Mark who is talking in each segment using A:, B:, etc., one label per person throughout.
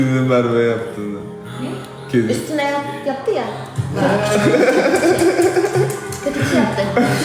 A: Merve yaptığını. Kedi.
B: Üstüne yaptı ya. Kötü bir şey yaptı.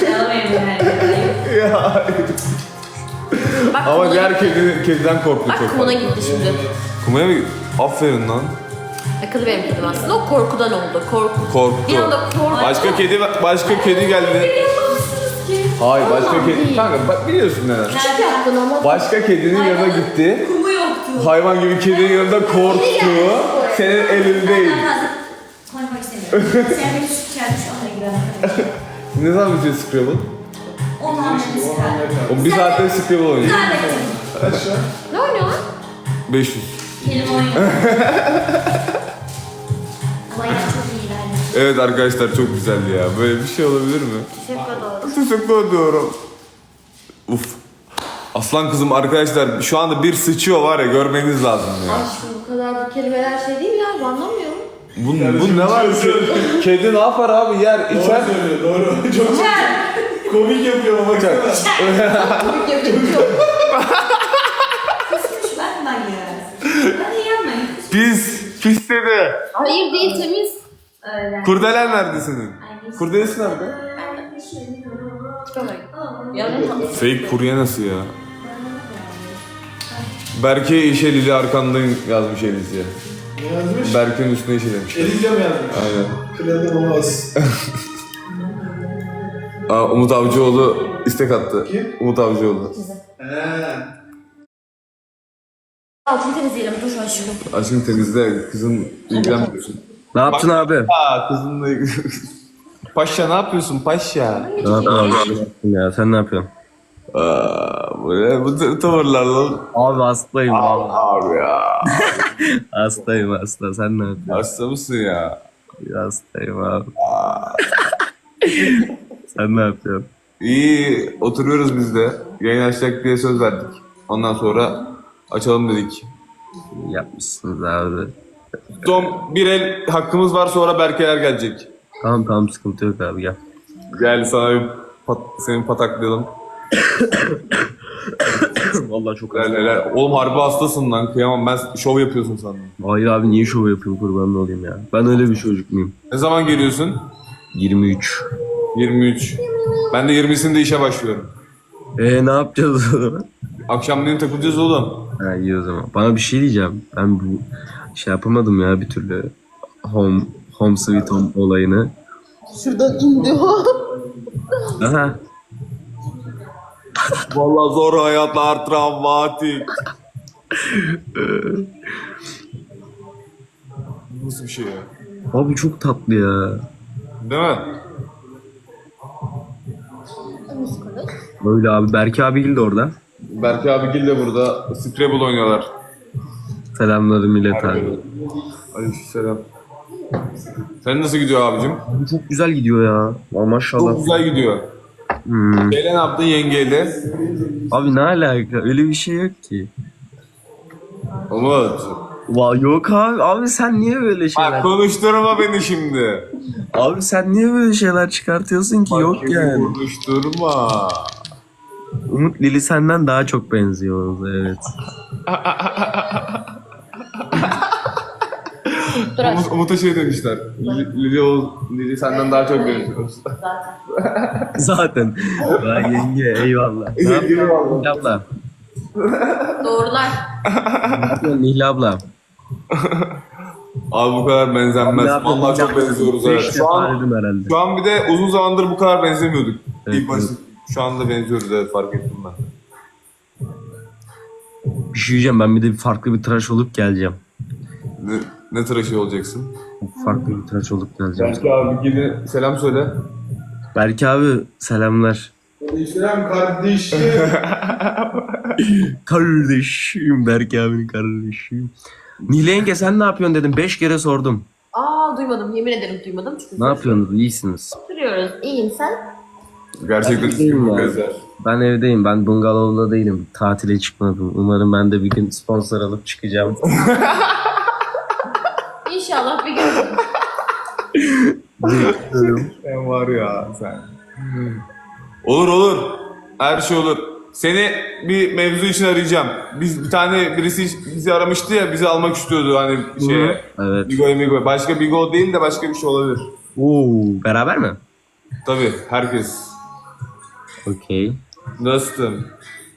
A: Ya.
B: Bak,
A: Ama diğer kediden korktu
B: bak
A: çok.
B: kumuna gitti şimdi.
A: Kumaya mı? Aferin lan.
B: Akıllı benim kedim aslında. O korkudan oldu.
A: Korktu.
B: Bir anda korktu.
A: Başka kedi geldi. Hayır başka
B: Tamam,
A: kedi.
B: değil.
A: Kanka bak biliyorsun neden.
B: Küçük yaptın ama.
A: Başka kedinin yanına gitti.
C: Kumu yoktu.
A: Hayvan gibi kedinin yanında korktu. Senin elindeydi.
C: Konuşmak istemiyorum. Sen beni şu içeride şu anda girer.
A: Ne zaman bitiyor Scrabble?
C: Ondan beri
A: O bir saatte Scrabble oynuyor.
B: Ne oynuyor lan?
A: 500.
C: Kelime oyunu. Ama yine çok iyilerdi.
A: Evet arkadaşlar çok güzeldi ya. Böyle bir şey olabilir mi? Teşekkür ediyorum. Uf. Aslan kızım arkadaşlar şu anda bir sıçıyor var ya görmeniz lazım ya.
B: Aşkım bu kadar bu kelimeler şey değil ya. Ben anlamıyorum.
A: Bu ne var ki? Kedi ne yapar abi yer içer.
D: Doğru söylüyor, doğru. Çok komik yapıyor ama baksana.
B: Komik yapacak bir şey yok.
C: Kısmış ben yerim. Hadi yanmayın.
A: Pis dedi.
B: Hayır değil temiz.
C: Öyle.
A: Kurdelen nerede senin? Kurdelesi nerede?
B: Yanım
A: Fake kurye nasıl ya? Berke işe Lili arkandayım yazmış Eliz'e.
D: Ne yazmış?
A: Berke'nin üstüne işelemiş.
D: Elizce mi yazmış?
A: Aynen.
D: Kredi olmaz.
A: Umut Avcıoğlu istek attı.
D: Kim?
A: Umut Avcıoğlu.
D: He.
B: Altın temizleyelim. Dur aşkım.
A: Aşkım temizle kızın ilgilenmiyorsun.
E: Ne yaptın abi?
A: Kızınla Paşa ne yapıyorsun paşa?
E: Ne yapıyorsun ya? Sen ne yapıyorsun?
A: Bu tavırlar lan.
E: Abi hastayım abi.
A: Abi ya.
E: Hastayım hasta. Sen ne yapıyorsun?
A: Hasta mısın ya?
E: Hastayım abi. Sen ne yapıyorsun?
A: İyi oturuyoruz biz de. Yayın açacak diye söz verdik. Ondan sonra açalım dedik.
E: Yapmışsınız abi.
A: Son bir el hakkımız var sonra Berkeler gelecek.
E: Tamam sıkıntı yok abi gel.
A: Gel sana bir seni pataklayalım.
E: Vallahi çok
A: Gel. Oğlum harbi hastasın lan kıyamam ben şov yapıyorsun sandım.
E: Hayır abi niye şov yapayım kurbanın olayım ya. Ben öyle bir çocuk muyum?
A: Ne zaman geliyorsun?
E: 23.
A: 23. Ben de 20'sinde işe başlıyorum.
E: Ne yapacağız o zaman?
A: Akşamleyin takılacağız oğlum.
E: Ha iyi o zaman. Bana bir şey diyeceğim. Ben bu şey yapamadım ya bir türlü. Home Sweet Home olayını.
B: Şuradan indi o.
E: Aha.
A: Vallahi zor hayatlar travmatik. Nasıl bir şey ya?
E: Abi çok tatlı ya.
A: Değil mi?
E: Öyle abi. Berke abigil de orada.
A: Berke abigil de burada Scrabble oynuyorlar.
E: Selamları millet abi.
A: Aleykümselam. Senin nasıl gidiyor abicim?
E: Bu çok güzel gidiyor ya. Maşallah.
A: Çok güzel gidiyor. Şeyle ne yaptın yengeyle?
E: Abi ne alaka? Öyle bir şey yok ki.
A: Umut.
E: Yok abi. Abi sen niye böyle şeyler...
A: Bak konuşturma beni şimdi.
E: Abi sen niye böyle şeyler çıkartıyorsun ki? Yok
A: Bak,
E: yani.
A: konuşturma.
E: Umut Lili senden daha çok benziyor evet.
A: Umut'a şey demişler. Lili senden daha çok benziyor.
E: Zaten. Ya yenge eyvallah. Ne yapıyorsun Nihal abla?
B: Doğrular.
E: Ne yapıyorsun Nihal abla?
A: Abi bu kadar benzenmez.
E: Ne yapıyorsun?
A: Vallahi çok benziyoruz evet.
E: Beş defa dedim herhalde.
A: Şu an bir de uzun zamandır bu kadar benzemiyorduk.
E: Evet,
A: İlk başta şu anda benziyoruz evet fark ettim ben.
E: Bir şey diyeceğim ben bir de farklı bir tıraş olup geleceğim.
A: Ne tıraşı olacaksın?
E: Farklı bir tıraş olup geleceğim.
A: Berke abi yine selam söyle.
E: Berke abi selamlar.
D: Selam kardeşim.
E: Kardeşim Berke abinin kardeşim. Nile yenge sen ne yapıyorsun dedim 5 kere sordum.
B: Duymadım. Yemin ederim duymadım. Çünkü
E: Ne yapıyorsunuz iyisiniz?
B: Duruyoruz. İyiyim sen?
A: Gerçekten
E: İyiyim ya.
A: benzer.
E: Ben evdeyim ben bungalovda değilim tatile çıkmadım. Umarım ben de bir gün sponsor alıp çıkacağım.
B: İnşallah bir gün.
A: Sen var ya sen. Olur. Her şey olur. Seni bir mevzu için arayacağım. Bir tane birisi bizi aramıştı ya, bizi almak istiyordu hani şeye.
E: Evet.
A: Bigo. Başka Bigo değil de başka bir şey olabilir.
E: Oo, beraber mi?
A: Tabii herkes.
E: Okey.
A: Nasılsın?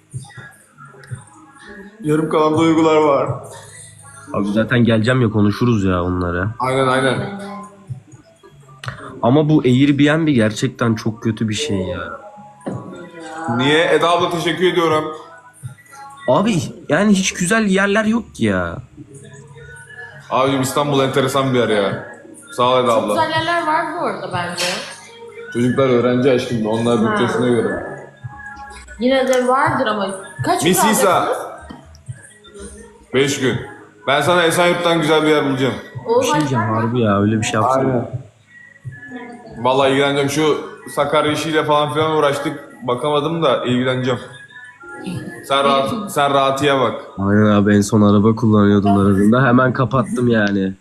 A: Yarım kalan duygular var.
E: Abi zaten geleceğim ya, konuşuruz ya onları.
A: Aynen.
E: Ama bu Airbnb gerçekten çok kötü bir şey ya.
A: Niye? Eda abla teşekkür ediyorum.
E: Abi yani hiç güzel yerler yok ki ya.
A: Abicim İstanbul enteresan bir yer ya. Sağ ol Eda abla.
B: Güzel yerler var bu arada bence.
A: Çocuklar öğrenci aşkım, onlar bütçesine göre.
B: Yine de vardır ama. Kaç gün
A: Misisa.
B: kalacaksınız?
A: 5 gün. Ben sana Esenyurt'tan güzel bir yer bulacağım.
B: O
E: Bir şey diyeceğim harbi ya, öyle bir şey yapsana.
A: Vallahi ilgileneceğim. Şu Sakarya işiyle falan filan uğraştık. Bakamadım da ilgileneceğim. Sen rahatiye bak.
E: Aynen abi, en son araba kullanıyordum aradığında. Hemen kapattım yani.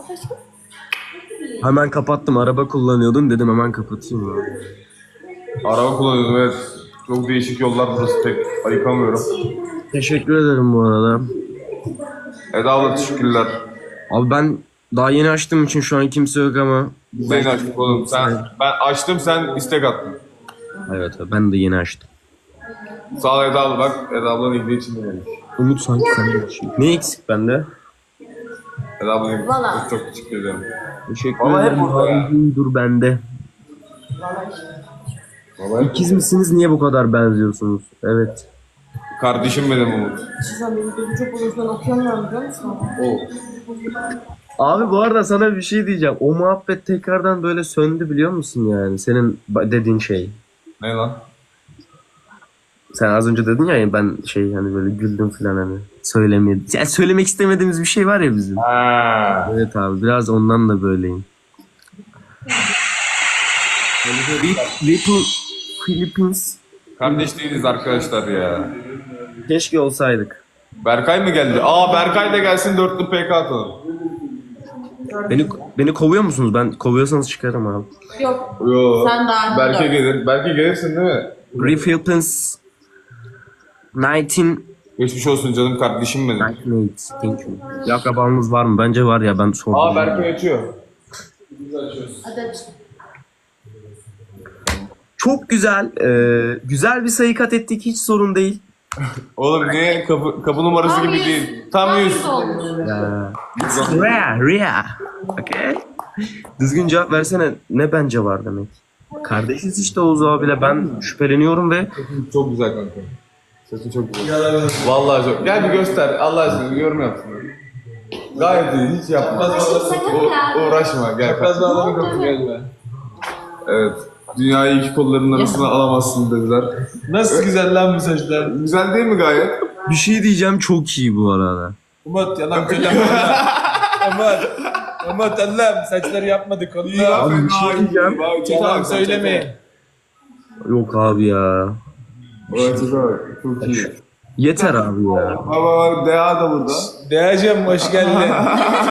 E: Hemen kapattım, araba kullanıyordun dedim, hemen kapatayım ya.
A: Araba kullanıyordum, evet. Çok değişik yollar burası, pek ayıkamıyorum.
E: Teşekkür ederim bu arada.
A: Eda abla teşekkürler.
E: Abi ben daha yeni açtığım için şu an kimse yok ama.
A: Sen açtık oğlum. Ben açtım, sen istek attın.
E: Evet ben de yeni açtım.
A: Sağ ol Eda abla, bak Eda ablanın ilgili için de gelmiş.
E: Umut sanki sende bir şey. Ne eksik bende?
A: Eda ablanın
B: Valla.
A: çok teşekkür ederim.
E: Teşekkür
A: Vallahi
E: ederim.
A: hep orada ya.
E: Abi, dur bende.
A: Vallahi
E: İkiz misiniz, niye bu kadar benziyorsunuz? Evet.
A: kardeşim benim Umut.
B: Sizden benim gözüm çok uzun okuyamıyorum biliyor musun?
E: Abi bu arada sana bir şey diyeceğim. O muhabbet tekrardan böyle söndü biliyor musun yani? Senin dediğin şey.
A: Ne lan?
E: Sen az önce dedin ya ben şey hani böyle güldüm falan hani. Söylemedim. Yani söylemek istemediğimiz bir şey var ya bizim.
A: Ha.
E: Evet abi biraz ondan da böyleyim. Little Philippines.
A: Kardeş değiliz arkadaşlar ya.
E: Keşke olsaydık.
A: Berkay mı geldi? Aa, Berkay da gelsin, dörtlü PK atalım.
E: Beni kovuyor musunuz? Ben kovuyorsanız çıkarım abi.
B: Yok.
A: Yo.
B: Sen daha
A: Berke gelir. Berke gelirsin değil mi?
E: Philippines 1998.
A: Geçmiş olsun canım kardeşim benim.
E: Thank you. Bir akrabanız var mı? Bence var ya, ben sordum.
A: Aa, Berke açıyor.
B: Hadi aç.
E: Çok güzel. Güzel bir sayı kat ettik. Hiç sorun değil.
A: Oğlum niye kapı numarası
B: Tam
A: gibi
B: 100.
A: değil. Tam 100.
B: olmuş.
E: Rhea. Okay. Düzgün cevap versene. Ne bence var demek. Kardeşiz işte Oğuz abiyle. Ben şüpheleniyorum ve
A: Çok güzel kanka. Sesin çok güzel. Vallahi çok. Gel bir göster. Allah aşkına bir yorum yapsın. Gayet iyi. Hiç yapma. Uğraşma. Gel.
D: Biraz daha adamın kapı gelme.
A: Evet. Dünyayı iki kollarının arasına alamazsın dediler.
D: Nasıl güzel lan bu saçlar.
A: Güzel değil mi gayet?
E: bir şey diyeceğim, çok iyi bu arada.
D: Umut yalan söyleme. Umut Allah'ım saçları yapmadık Allah.
E: Abi bir şey diyeceğim.
D: Yalan söylemeyin.
E: Yok abi ya.
A: Evet, çok iyi.
E: Yeter abi ya.
A: Baba, Deha da burada.
D: Diyeceğim hoş geldin.